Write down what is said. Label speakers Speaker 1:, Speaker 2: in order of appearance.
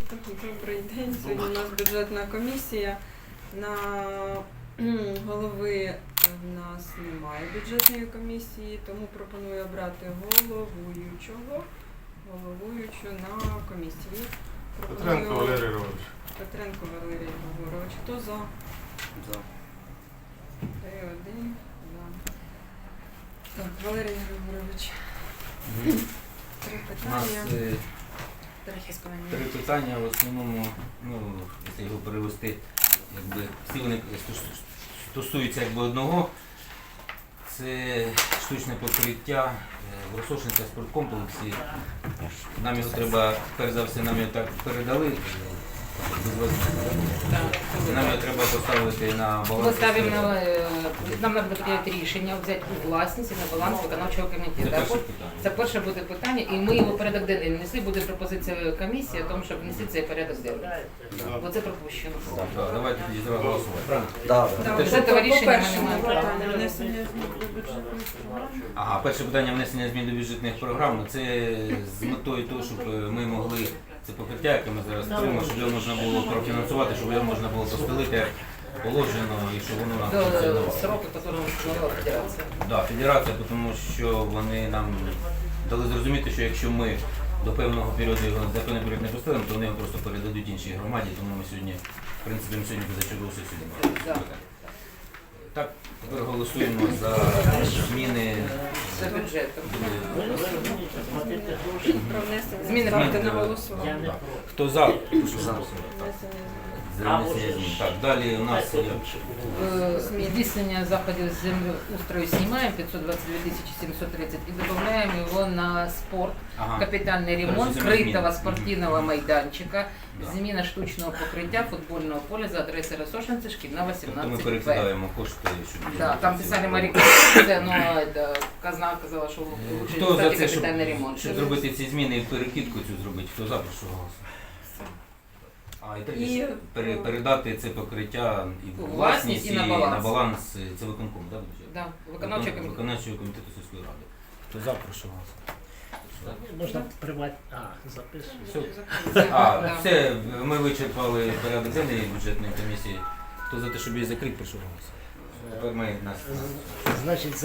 Speaker 1: Добрий день. Сьогодні у нас бюджетна комісія. На голови в нас немає бюджетної комісії, тому пропоную обрати головуючу на комісії.
Speaker 2: Петренко Валерій Григорович.
Speaker 1: Петренко Валерій Григорович. Хто за?
Speaker 3: За.
Speaker 1: 3-1. За. Так, Валерій Григорович. Три
Speaker 3: У нас
Speaker 1: питання.
Speaker 3: три питання, в основному, якщо його перевести, всі вони стосуються одного. Це штучне покриття в Росошинському спорткомплексі. Нам його треба, перш за все, нам його так передали. Нам його треба поставити на баланс.
Speaker 4: Нам треба прийняти рішення, взяти у власність і на баланс виконавчого комітету. Це перше буде питання, і ми його в порядок денний внесли, буде пропозиція комісії о тому, щоб внести цей порядок денний. Бо це пропущено.
Speaker 3: Давайте тоді зразу голосувати.
Speaker 4: Без цього рішення ми не маємо права.
Speaker 1: Внесення змін до бюджетної програми.
Speaker 3: Ага, перше питання внесення змін до бюджетних програм. Це з метою того, щоб ми могли це покриття, яке ми зараз створимо, щоб його можна було профінансувати, щоб його можна було постелити як положено і щоб воно нам
Speaker 4: До
Speaker 3: функціонувало.
Speaker 4: сроку, який встановила федерація.
Speaker 3: Да, федерація, тому що вони нам дали зрозуміти, що якщо ми до певного періоду його за певний період не поставимо, то вони його просто передадуть іншій громаді, тому ми сьогодні, в принципі, ми сьогодні позачергову сесію не брали. Так, тепер голосуємо за зміни
Speaker 4: За бюджетом.
Speaker 1: Про внесення
Speaker 4: Зміни
Speaker 1: ставте на
Speaker 3: до-
Speaker 1: голосування.
Speaker 3: Да. Хто за? Прошу голосувати.
Speaker 1: Внесення
Speaker 3: За внесення змін. Так, далі у нас є
Speaker 4: Здійснення заходів з землеустрою знімаємо 522 730 і додаємо його на спорт.
Speaker 3: ага.
Speaker 4: Капітальний ремонт
Speaker 3: Коротше, зміни.
Speaker 4: критого спортивного майданчика,
Speaker 3: Да.
Speaker 4: зміна штучного покриття футбольного поля за адресою Росошинці, шкільна
Speaker 3: Тобто ми
Speaker 4: 18 Б.
Speaker 3: перекидаємо кошти, щоб...
Speaker 4: Да, там писали моряки, но это, казна казала, що лучше
Speaker 3: Хто за
Speaker 4: ставити
Speaker 3: це, щоб,
Speaker 4: капітальний ремонт.
Speaker 3: щоб зробити ці зміни і перекидку цю зробити? Хто за, прошу голосувати. А, і третє,
Speaker 1: І-
Speaker 3: щоб передати це покриття і в
Speaker 4: У
Speaker 3: власність,
Speaker 4: власність, і на баланс.
Speaker 3: це виконкому, так?
Speaker 4: Да, виконавчий комітет.
Speaker 3: Виконавчого комітету сільської ради. Хто за, прошу голосувати.
Speaker 5: Можна приватні. Записую.
Speaker 3: Все. А,
Speaker 4: Да.
Speaker 3: все, ми вичерпали порядок денний бюджетної комісії. Хто за те, щоб її закрити, прошу голосувати. Тепер ми нас...
Speaker 5: Значить,